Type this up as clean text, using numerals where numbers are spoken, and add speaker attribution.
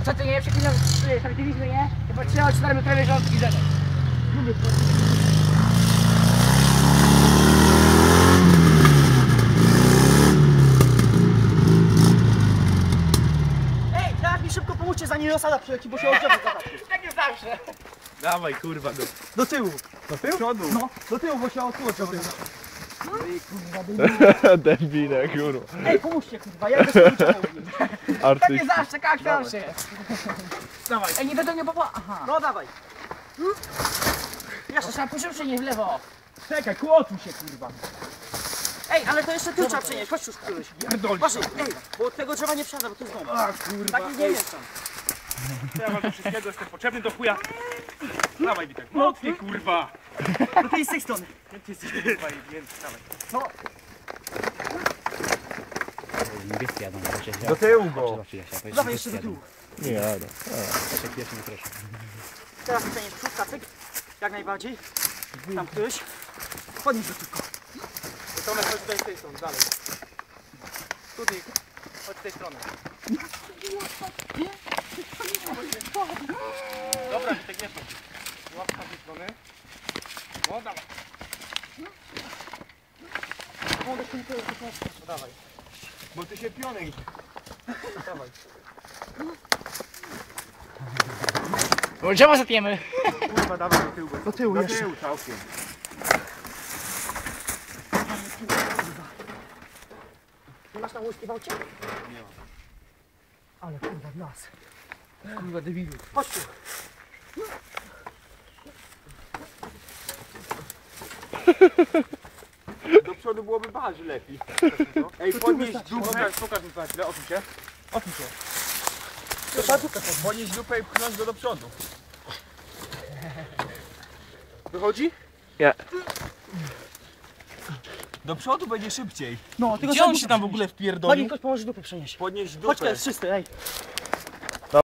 Speaker 1: Co ty nie? Przeklinam, sprawdziliśmy, nie? Chyba 3-4 metrowe rządki zadać. Lubię to. Ej, teraz mi szybko pomóżcie, zanim osada przyleci, bo się odciągnę zobaczy. Tak jest zawsze.
Speaker 2: Dawaj kurwa
Speaker 3: Do tyłu.
Speaker 2: do tyłu? Przodu.
Speaker 3: No, do tyłu, bo się odciągnę.
Speaker 1: Ej, kurwa, debile.
Speaker 4: Debile, kurwa.
Speaker 1: Ej, pomóżcie, kurwa, ja też nie czołgiem. Tak
Speaker 4: Artyst.
Speaker 1: jest zawsze, jak zawsze.
Speaker 2: Dawaj.
Speaker 1: Ej, nie będą nie popa... Aha.
Speaker 3: No dawaj.
Speaker 1: Jeszcze trzeba poszybsze, nie w lewo.
Speaker 3: Czekaj, kłotuj się kurwa.
Speaker 1: Ej, ale to jeszcze tu trzeba przenieść, chodź już któryś.
Speaker 2: Pierdolisz.
Speaker 1: Właśnie, ej, bo od tego drzewa nie przejdę, bo to jest dom.
Speaker 2: A kurwa.
Speaker 1: Taki nie jest tam.
Speaker 2: Ja mam do wszystkiego, jestem potrzebny do chuja. Dawaj Witek, mocniej kurwa.
Speaker 1: Do tej z tej strony.
Speaker 2: Ty jesteś kurwa i więc dawaj.
Speaker 5: Niebieskie jadą,
Speaker 3: Do tyłu go.
Speaker 1: Dawaj jeszcze do tyłu.
Speaker 4: Nie jadę.
Speaker 5: Pierwszy nie proszę.
Speaker 1: Teraz przenieść przód, kacyk. Jak najbardziej. Tam któryś. Podnieś go tylko.
Speaker 2: Tomek, chodź tutaj z tej strony, dalej. Tutaj, chodź z tej strony. Dobra, Witek, nie chodź. Łapka z tej strony. No dawaj.
Speaker 1: Mogę się tylko
Speaker 2: No dawaj. Bo ty się pionek. Dawaj.
Speaker 1: drzewo zapiemy.
Speaker 2: Kurwa, dawaj do tyłu.
Speaker 3: Do tyłu
Speaker 2: Do
Speaker 3: jeszcze.
Speaker 2: tyłu całkiem.
Speaker 1: Nie masz na łyżki w aucie?
Speaker 2: Nie mam.
Speaker 1: Ale kurwa, w nas.
Speaker 2: Kurwa, debilu.
Speaker 1: Chodź tu.
Speaker 2: Do przodu byłoby bardziej lepiej. Ej, podnieś dupę. Pokaż mi pan chwilę, odsuń się. Odsuń się. Podnieś dupę i pchnąć go do przodu. Wychodzi?
Speaker 4: Nie.
Speaker 2: Do przodu będzie szybciej.
Speaker 1: No, tylko
Speaker 2: Gdzie on się tam w ogóle
Speaker 1: Pani
Speaker 2: wpierdolił?
Speaker 1: ktoś pomoże dupę przenieść.
Speaker 2: Podnieś dupę.
Speaker 1: Chodź, to jest czysty, ej.